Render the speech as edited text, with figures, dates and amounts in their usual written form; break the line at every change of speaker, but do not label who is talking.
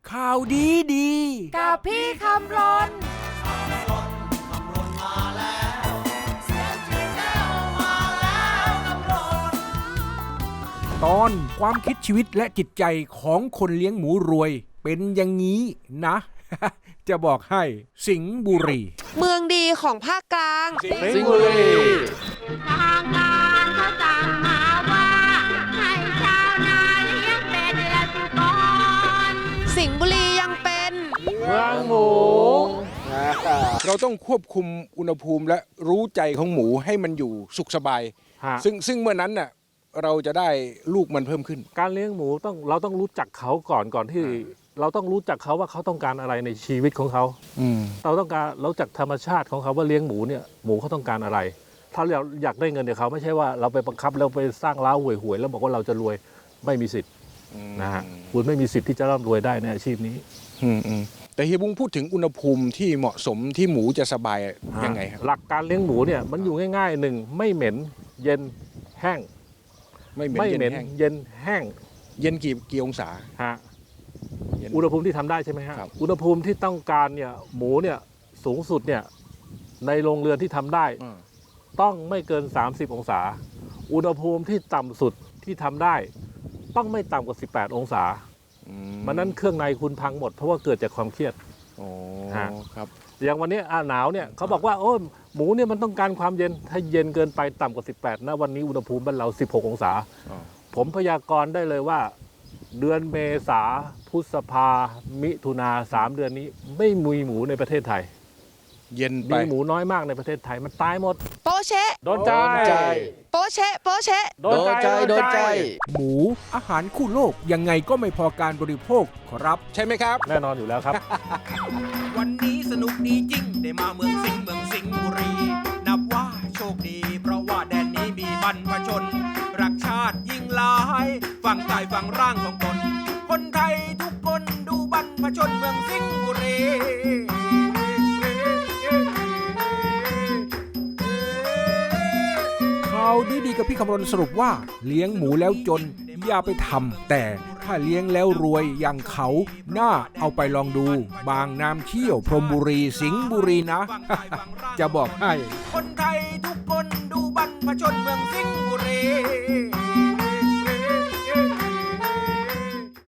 ข่าวดีดี
กับพี่คำรน
ตอนความคิดชีวิตและจิตใจของคนเลี้ยงหมูรวยเป็นอย่างนี้นะ จะบอกให้สิงห์บุรี
เมืองดีของภาคกลาง
สิงห์บุรี
ทางการเขาสั่งมาว่าให้ชาวนาเลี้ยงเป็ดและสุกร
สิงห์บุรียังเป็น
เมืองหมู
เราต้องควบคุมอุณหภูมิและรู้ใจของหมูให้มันอยู่สุขสบายซึ่งเมื่อนั้นน่ะเราจะได้ลูกมันเพิ่มขึ้น
การเลี้ยงหมูเราต้องรู้จักเขาก่อนที่เราต้องรู้จักเขาว่าเขาต้องการอะไรในชีวิตของเขาเราต้องการเราจักธรรมชาติของเขาว่าเลี้ยงหมูเนี่ยหมูเขาต้องการอะไรถ้าเราอยากได้เงินเดี๋ยวเขาไม่ใช่ว่าเราไปบังคับแล้วไปสร้างเล้าห่วยๆแล้วบอกว่าเราจะรวยไม่มีสิทธิ์นะฮะคุณไม่มีสิทธิ์ที่จะร่ำรวยได้ในอาชีพนี้
แต่เฮียบุ้งพูดถึงอุณหภูมิที่เหมาะสมที่หมูจะสบายยังไงครับ
หลักการเลี้ยงหมูเนี่ยมันอยู่ง่ายๆหนึ่งไม่เหม็นเย็นแห้งไม่เหม็นเย็นแห้ง
เย็นกี่องศา
ฮะอุณหภูมิที่ทำได้ใช่ไหมฮะอุณหภูมิที่ต้องการเนี่ยหมูเนี่ยสูงสุดเนี่ยในโรงเรือนที่ทำได้ต้องไม่เกิน30องศาอุณหภูมิที่ต่ำสุดที่ทำได้ต้องไม่ต่ำกว่า18องศามันนั้นเครื่องในคุณพังหมดเพราะว่าเกิดจากความเครียด
ครับ
อย่างวันนี้หนาวเนี่ยเขาบอกว่าโอ้หมูเนี่ยมันต้องการความเย็นถ้าเย็นเกินไปต่ำกว่า18นะวันนี้อุณหภูมิบ้านเรา16องศาผมพยากรณ์ได้เลยว่าเดือนเมษาพฤษภามิถุนา3เดือนนี้ไม่มีหมูในประเทศไทย
เย็นไป
มีหมูน้อยมากในประเทศไทยมันตายหมด
โปเชะ
โดนใจ
โปเชะโปเชะ
โดนใจ
หมูอาหารคู่โลกยังไงก็ไม่พอการบริโภคครับใช่ไหมครับ
แน่นอนอยู่แล้วครับ
วันนี้สนุกดีจริงได้มาเมืองสิงห์บุรีนับว่าโชคดีเพราะว่าแดนนี้มีบรรพชนรักชาติยิ่งหลายฝั่งกายฝั่งร่างของตนคนไทยทุกคนดูบรรพชนเมืองสิงห์บุรี
ข่าวดีกับพี่คำรณสรุปว่าเลี้ยงหมูแล้วจนอย่าไปทำแต่ถ้าเลี้ยงแล้วรวยอย่างเขาน่าเอาไปลองดูบางน้ำเชี่ยวพรหมบุรีสิงห์บุรีนะ จะบอกให้
คนไทยทุกคนดูบรรพชนเมืองสิงห์บุรี